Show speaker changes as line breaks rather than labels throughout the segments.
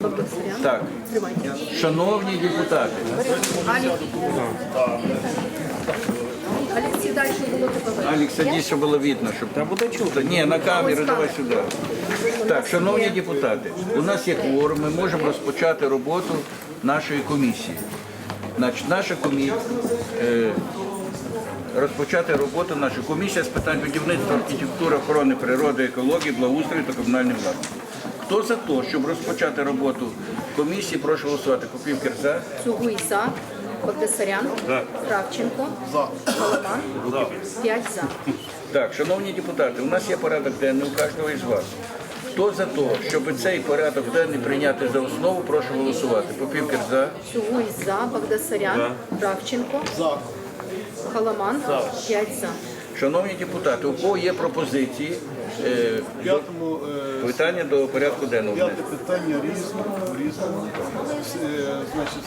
Так, шановні депутати,
Алексей, дальше було тебе.
Алік, садись, щоб було видно, щоб там буде чути. Ні, на камеру, давай сюди. Так, шановні депутати, у нас є кворум, ми можемо розпочати роботу нашої комісії. Значить, наша комісія, розпочати роботу нашої комісії з питань будівництва, архітектури, охорони природи, екології, благоустрою та комунальної власності. Хто за те, щоб розпочати роботу комісії, прошу голосувати. Попівкер за.
Цугуй за. Багдасарян. Кравченко. Голоман. 5 за.
Так, шановні депутати, у нас є порядок денний у кожного із вас. Хто за те, щоб цей порядок денний прийняти за основу, прошу голосувати. Попівкер за.
Цугуй за. Багдасарян. Кравченко. Голоман. 5 за.
Шановні депутати, у кого є пропозиції, питання до порядку денного?
П'яте питання різному. Значить,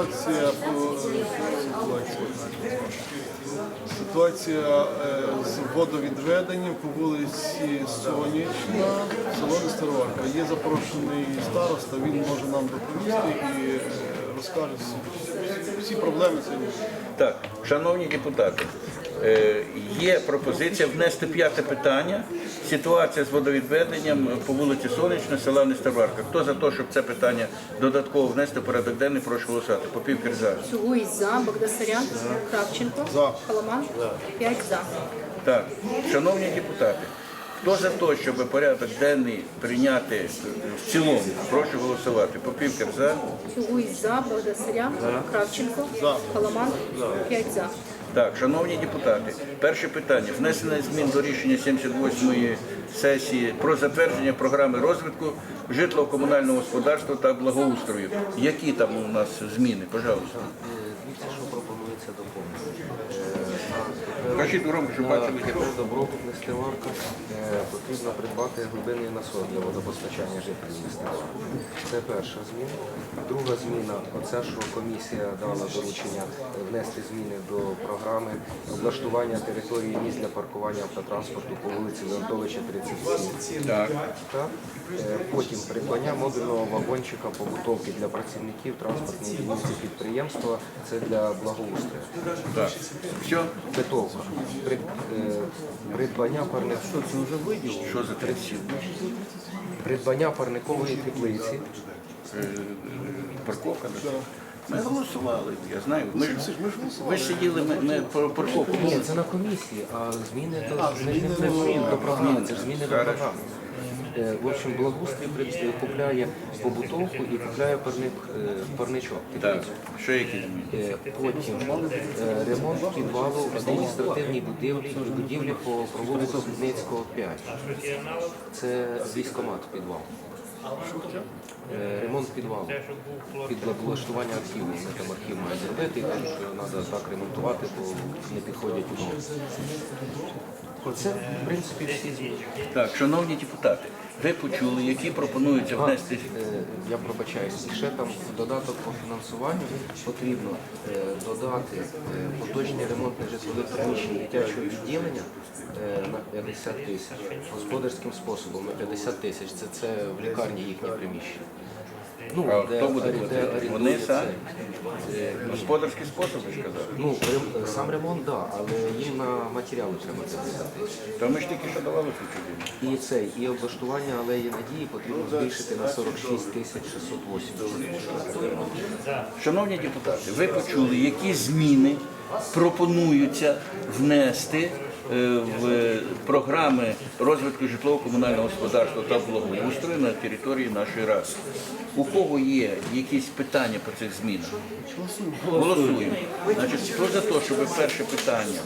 ситуація з водовідведенням по вулиці Сонячна, село Нестеровка. Є запрошений староста, він може нам доповісти і розкаже всі проблеми сьогодні.
Так, шановні депутати, є пропозиція внести п'яте питання. Ситуація з водовідведенням по вулиці Сонячна, села Нестеровка. Хто за те, щоб це питання додатково внести в порядок денний, прошу голосувати. Попівкер за.
Цугуй за. Багдасарян. Кравченко. Голоман. 5 за.
Так, шановні депутати, хто за те, щоб порядок денний прийняти в цілому, прошу голосувати. Попівкер за.
Цугуй за. Багдасарян. Кравченко. Голоман. 5 за.
Так, шановні депутати, перше питання. Внесення змін до рішення 78-ї сесії про затвердження програми розвитку житлово-комунального господарства та благоустрою. Які там у нас зміни? Пожалуйста.
Дивіться, що пропонується доповнити.
Кажіть громко, щоб бачили.
Добробут Нестеровка потрібно придбати глибинний насос для водопостачання жителів Нестеровки. Це перша зміна. Друга зміна – оце, що комісія дала доручення внести зміни до програми облаштування території місць для паркування автотранспорту по вулиці Леонтовича, 37.
Так.
Потім придбання модульного вагончика побутовки для працівників транспортної дільниці підприємства. Це для благоустрою.
Так. Все?
Битовка. Придбання
Що за 37?
Придбання парникової теплиці.
Парковка? Так? Ми голосували, я знаю. Ви ж сиділи, ми про парковку.
Ні, це на комісії, а зміни до програми. Це ж зміни до програми. В общем, благоустрій купляє побутовку і купляє парничок.
Так, що які зміни?
Потім ремонт підвалу адміністративній будівлі по провулку Судницького, 5. Це військкомат підвал. Ремонт підвалу під облаштування архіву. Ми там архів має зробити, і кажуть, що треба так ремонтувати, бо не підходять умови. Оце, в принципі, всі зміни.
Так, шановні депутати, ви почули, які пропонуються внести.
Я пробачаюсь, і ще там в додаток по фінансуванню потрібно додати поточний ремонт нежитлових приміщень дитячого відділення на 50 тисяч, господарським способом на 50 тисяч, це в лікарні їхнє приміщення. Ну,
А хто буде платити? Вони самі? Господарський спосіб, ви ж казали?
Ну, сам ремонт, так, але їм на матеріали треба 50 тисяч.
То ми ж тільки що давали цю
І облаштування алеї Надії потрібно збільшити на 46 тисяч 680.
Шановні депутати, ви почули, які зміни пропонуються внести в програми розвитку житлово-комунального господарства та благоустрою на території нашої ради. У кого є якісь питання по цих змінах? Голосуємо. Значить, хто за те, щоб перше питання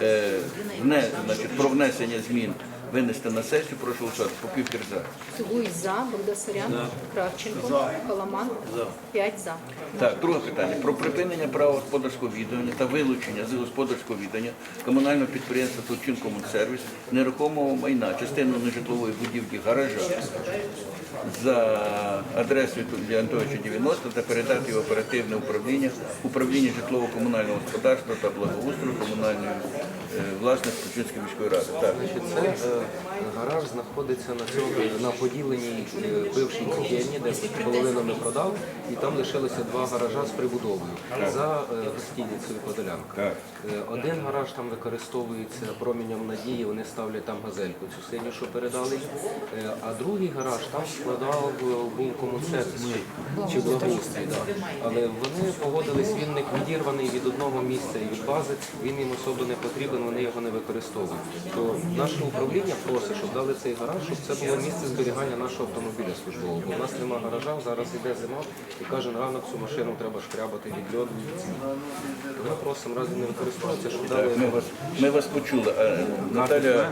про внесення змін винести на сесію, прошу голосувати. Попівкер за.
Цугуй за. Багдасарян. Кравченко. Голоман. 5 за.
Так, друге питання. Про припинення права господарського відання та вилучення з господарського відання комунального підприємства «Турчинкомунсервіс» нерухомого майна, частину нежитлової будівлі гаража. за адресою Тургія Антоновича 90 та передати в оперативне управління житлово-комунального господарства та благоустрою комунальної власності Тульчинської міської ради. Так.
Значить, це гараж знаходиться на поділеній бившій котельні, де половину ми продав, і там лишилося два гаража з прибудовою за гостиницею Подолянка. Один гараж там використовується промінням надії, вони ставлять там газельку, цю синю, що передали, а другий гараж там складав був комунсервіс чи благоустрій. Да. Але вони погодились, він не відірваний від одного місця і від бази, він їм особо не потрібен, вони його не використовують. То наше управління просить, щоб дали цей гараж, щоб це було місце зберігання нашого автомобіля службового. Бо у нас немає гаража, зараз йде зима, і кожен ранок цю машину треба шкрябати від льоду, від сніг. Ми просимо, разі не використовується, щоб дали...
Ми вас почули. Наталя,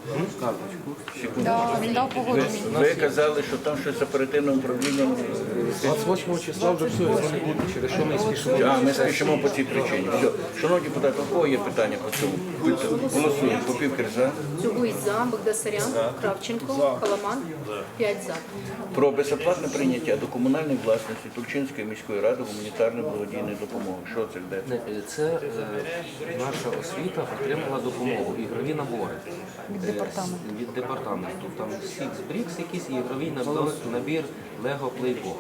Да, він дав погодження.
ви казали, що там щось з оперативним управлінням.
28 числа вже все, його не буде, через що ми спішимо.
А, ми спішимо по цій причині. Все. Шановні депутати, у кого є питання по цьому? Голосуємо. Попівкер за.
Цугуй за, Богдасарян, Кравченко, Халаман, 5 за.
Про безоплатне прийняття до комунальної власності Тульчинської міської ради гуманітарної благодійної допомоги. Що це йде?
Це наша освіта отримала допомогу, ігрові набори. Від департаменту. Там Six Bricks якийсь і ігровий набір Lego Playbox.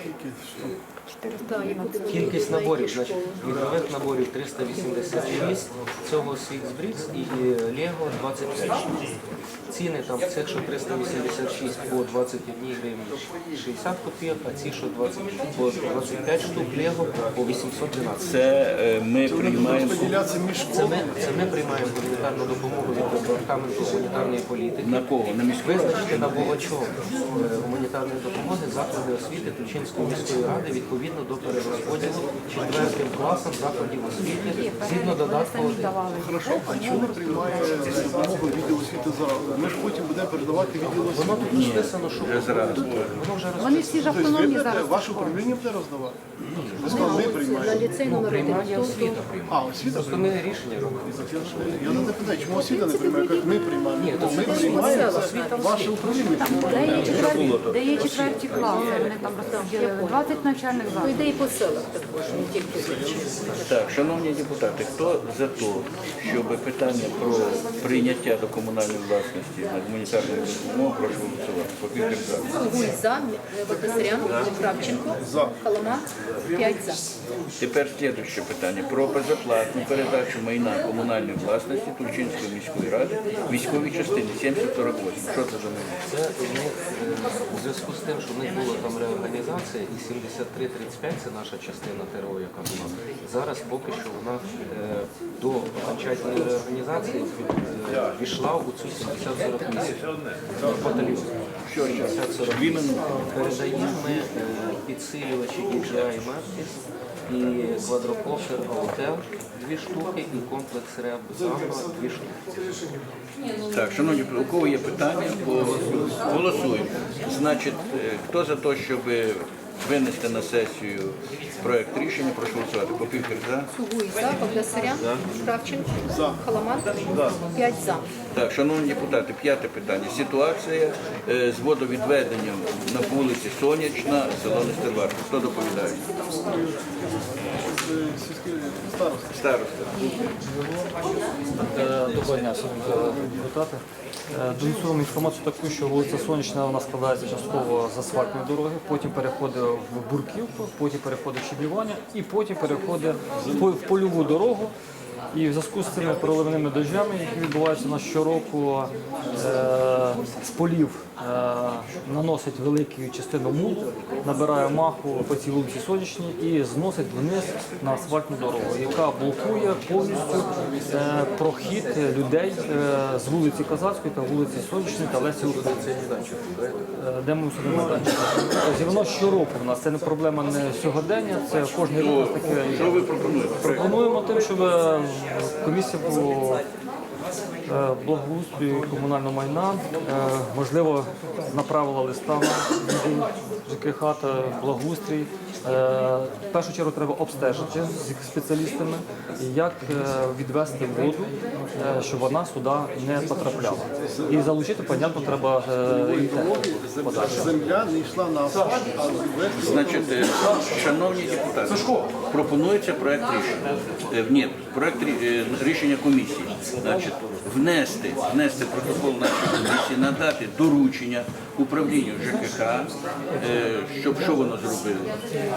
Да, яку ти
Кількість
на які
наборів,
школи?
значить, ігрових наборів 386, цього Six Bricks і Lego 25 штук. Ціни там цих, що 386 по 21 гривні 60 копійок, а ці, що 25 штук Lego по 812.
Це ми приймаємо.
Поділяться між
Це
школами.
ми приймаємо гуманітарну допомогу від департаменту гуманітарної політики.
На кого? На міську?
Визначити набувачом гуманітарної допомоги заклади освіти Тульчинської міської ради відповідно до перерозподілу 4 класам закладів освіти згідно додатку 1.
Хорошо, а чому не приймає допомогу відділ освіти зараз? Ми ж потім будемо передавати відділ освіти.
Воно тут розписано, що воно вже
Вони всі ж
Тобто ви
автономні
будете,
зараз.
ваше управління буде роздавати? Ви сказали, ми
На
приймаємо.
ліцей номер 1.
приймає освіта.
А, освіта
Просто ми рішення робимо.
Я не питаю, чому освіта не приймає? Кажуть, ми приймаємо.
Ні, то
Ми
це
приймаємо,
освіта,
ваше управління приймає.
Де є четверті класи, вони там розподілили 20 навчальних
Ну,
закладів.
йде і по селах також, не тільки в Тульчині.
Так, шановні депутати, хто за те, щоб питання про прийняття до комунальної власності на гуманітарну допомогу, прошу голосувати. Попівкер за.
Цугуй за, Богдасарян, Кравченко, Халаман, 5 за.
Тепер слідуюче питання про безоплатну передачу майна комунальної власності Тульчинської міської ради військовій частині 7048. Що це за майно?
Це в них у зв'язку з тим, що в них була там реорганізація, і 7335 це наша частина ТРО, яка була. Зараз поки що вона до окончательної реорганізації війшла у цю 7048 батальйон. Що 7048 передаємо ми підсилювачі DJI Matrix і квадрокоптер Autel 2 штуки і комплекс РЕБ Замбо 2 штуки.
Так, шановні, у кого є питання, голосуємо. Значить, хто за те, щоб винести на сесію проект рішення, прошу голосувати. Попівкер за.
Цугуй за, Богдасарян, Кравченко, Халаман, 5 за.
Так, шановні депутати, п'яте питання. Ситуація з водовідведенням на вулиці Сонячна, село Нестерварка. Хто доповідає?
Сільський староста.
Староста.
Доброго дня, шановні депутати. Донесуємо інформацію таку, що вулиця Сонячна вона складається частково з асфальтної дороги, потім переходить в Бурківку, потім переходить в Щеблівання і потім переходить в польову дорогу. І в зв'язку з цими проливними дощами, які відбуваються у нас щороку, з полів наносить велику частину мул, набирає маху по цій вулиці Сонячній і зносить вниз на асфальтну дорогу, яка блокує повністю прохід людей з вулиці Козацької та вулиці Сонячної та Лесі Українки. Де ми собі майданчик. Тобто воно щороку в нас, це не проблема не сьогодення, це кожен рік у нас таке.
Що ви пропонуєте?
Пропонуємо тим, щоб комісія Благоустрою комунального майна, можливо, направила листа на відділ ЖКХ та благоустрій. В першу чергу треба обстежити з спеціалістами, як відвести воду, щоб вона сюди не потрапляла. І залучити, понятно, треба і подальше.
Земля не йшла на асфальт, а ввести.
Значить, шановні депутати, пропонується проект рішення. Ні, проект рішення комісії. Значить, внести протокол нашої комісії, надати доручення управлінню ЖКХ, щоб що воно зробило.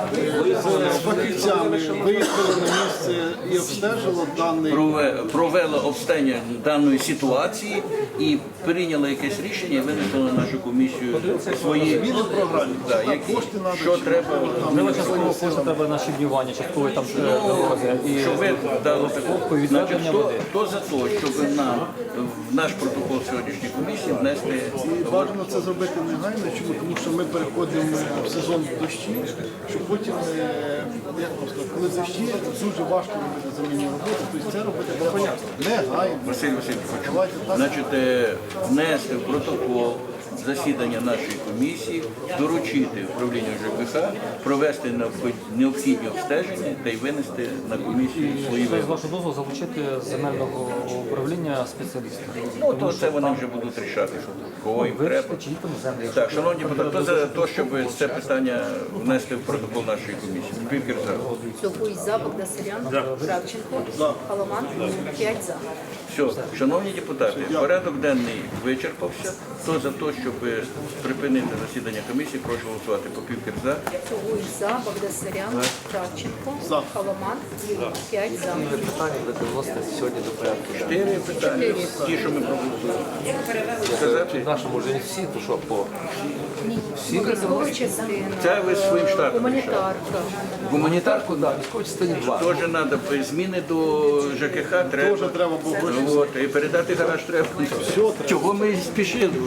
З фахівцями виїхали на місце і обстежило даний.
Провело обстеження даної ситуації і прийняло якесь рішення і винесло на нашу комісію свої
Зміни в програмі.
да, які, що треба.
Можливо, частково кошти треба на щебнювання, частково там дороги. І
Щоб ви дали
по відведення води.
хто за те, щоб нам в наш протокол сьогоднішньої комісії внести
І бажано це зробити негайно, чому? Тому що ми переходимо в сезон дощів, що потім, як вам сказати, коли дощі, дуже важко робити замінні роботи, тобто це робити треба негайно.
Василь Васильович,
Давайте так.
значить, внести в протокол засідання нашої комісії, доручити управлінню ЖКХ, провести необхідні обстеження та й винести на комісію свої
З
висновки.
вашого дозволу залучити з земельного управління спеціалістів.
Ну, то це вони вже будуть рішати, кого їм треба.
Вирішити, чи їх там землі.
Так, шановні депутати, хто за те, щоб це питання внести в протокол нашої комісії? Півкір за.
Цілкуй за, Богдасарян, Кравченко, Халаман, 5 за.
Все, шановні депутати, порядок денний вичерпався. Хто за те, щоб припинити засідання комісії, прошу голосувати по Півкір за.
Цілкуй за, Богдасарян, Кравченко, Халаман, 5 за.
Питання буде виносити сьогодні до порядку.
4 питання, ті, що ми проголосували. Сказати?
Нашому вже не всі, то що по
Військова частина,
Це ви своїм штатом рішали.
гуманітарка.
Гуманітарку,
да, військовій частині 2.
теж треба зміни до ЖКХ, треба.
Теж треба було
От, і передати гараж треба. Чого ми спішили?